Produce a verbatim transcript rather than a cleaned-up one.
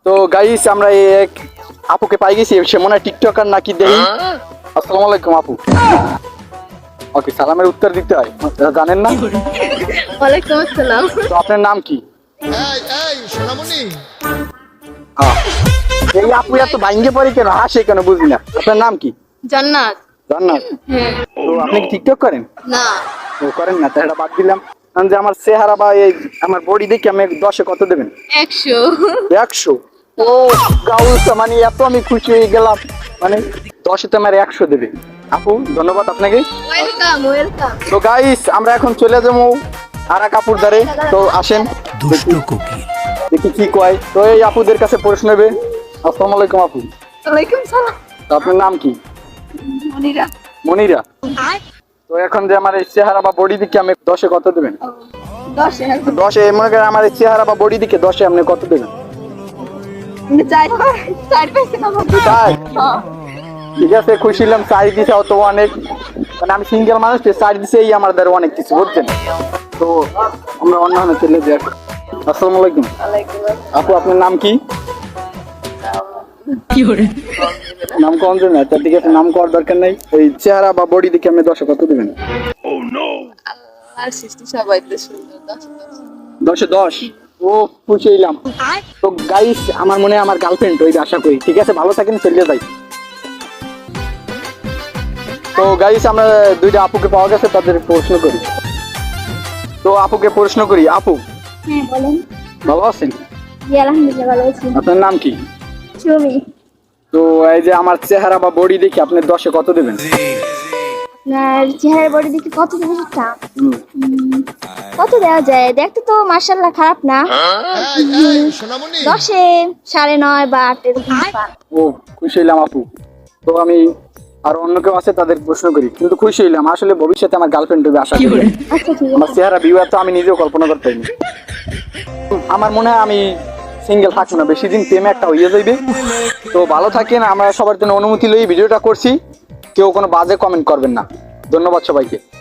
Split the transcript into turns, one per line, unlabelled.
তো গাইস আমরা এক আপুকে পাই গেছি, সে মনে হয় টিকটকার নাকি দেই। আসসালামু আলাইকুম আপু। ওকে, সালামের উত্তর দিতে হয়, জানেন না?
ওয়ালাইকুম আসসালাম।
তো আপনার নাম কি?
এই এই সোনামণি,
হ্যাঁ। এই আপু এত ভাঙ্গে পড়ে কেন, হাসে কেন বুঝি না। আপনার নাম কি?
জান্নাত।
জান্নাত।
হ্যাঁ।
তো আপনি কি টিকটক করেন?
না।
ও করেন না, তাই এটা বাদ দিলাম। কারণ যে আমার চেহারা বা এই আমার বডি দেখে আমি দশে কত দেবেন?
একশো।
একশো। ও গাউস, মানে এত আমি খুশি হয়ে গেলাম, মানে দশে তো আমার একশো দেবে। আপু ধন্যবাদ আপনাকে।
Welcome welcome.
তো গাইস আমরা এখন চলে যাবো আরা কাপুর ধারে। তো আসেন
দুষ্ট কোকিল
দেখি কি কয়। তো এই আপুদের কাছে প্রশ্ন নেবে। আসসালামু আলাইকুম আপু।
ওয়ালাইকুম সালাম।
তো আপনার নাম কি?
মনিরা।
মনিরা। তো এখন যে আমার এই চেহারা বা বডি দিকে আমি দশে কত দেবেন?
দশে।
দশে মনে করেন আমার এই চেহারা বা বডি দিকে দশে আপনি কত দেবেন?
চার চার পাইছে না।
তাই ঠিক আছে, খুশি হলাম। চাই দিছে তো অনেক, মানে আমি সিঙ্গেল মানুষ, চাই দিছে এই আমার দ্বারা অনেক কিছু, বুঝছেন? তো আমরা অন্য চলে যাই। আসসালামু আলাইকুম আপু, আপনার নাম কি? নাম কম দেবেন না, ঠিক আছে, নাম করার দরকার নেই। এই চেহারা বা বডি দিকে আপনি দশে কত দেবেন?
আর সৃষ্টি সবাই তো সুন্দর। দশে
দশে দশ। ও খুশি হইলাম। তো গাইস আমার মনে হয় আমার গার্লফ্রেন্ড ওই আশা করি। ঠিক আছে, ভালো থাকেন, চলে যাই। তো গাইস আমরা দুইটা আপুকে পাওয়া গেছে, তাদের প্রশ্ন করি। তো আপুকে প্রশ্ন করি। আপু
হ্যাঁ বলেন।
ভালো আছেন?
জি আলহামদুলিল্লাহ ভালো আছি।
আপনার নাম কি?
সুমি।
তো এই যে আমার চেহারা বা বডি দেখে আপনি দশে কত দেবেন?
আপনার চেহারা বডি দেখে কত দেবে সেটা?
হুম।
উম, কত দেওয়া যায়? দেখতে তো মার্শাল্লাহ খারাপ না।
এই এই সোনামণি,
দশে সাড়ে নয় বা আট এরকম পান।
ও খুশি হইলাম আপু। তো আমি আর অন্য কেউ আছে তাদের প্রশ্ন করি, কিন্তু খুশি হইলাম। আসলে ভবিষ্যতে আমার গার্লফ্রেন্ড হবে আশা করি।
আচ্ছা ঠিক
আমার
আছে।
চেহারা ভিউ তো আমি নিজেও কল্পনা করতে পারিনি। আমার মনে হয় আমি সিঙ্গেল থাকবো না, বেশি দিন প্রেমে একটা হইয়া যাইবে। তো ভালো থাকেন, আমরা সবার জন্য অনুমতি লই ভিডিওটা করছি। কেউ কোনো বাজে কমেন্ট করবেন না। ধন্যবাদ সবাইকে।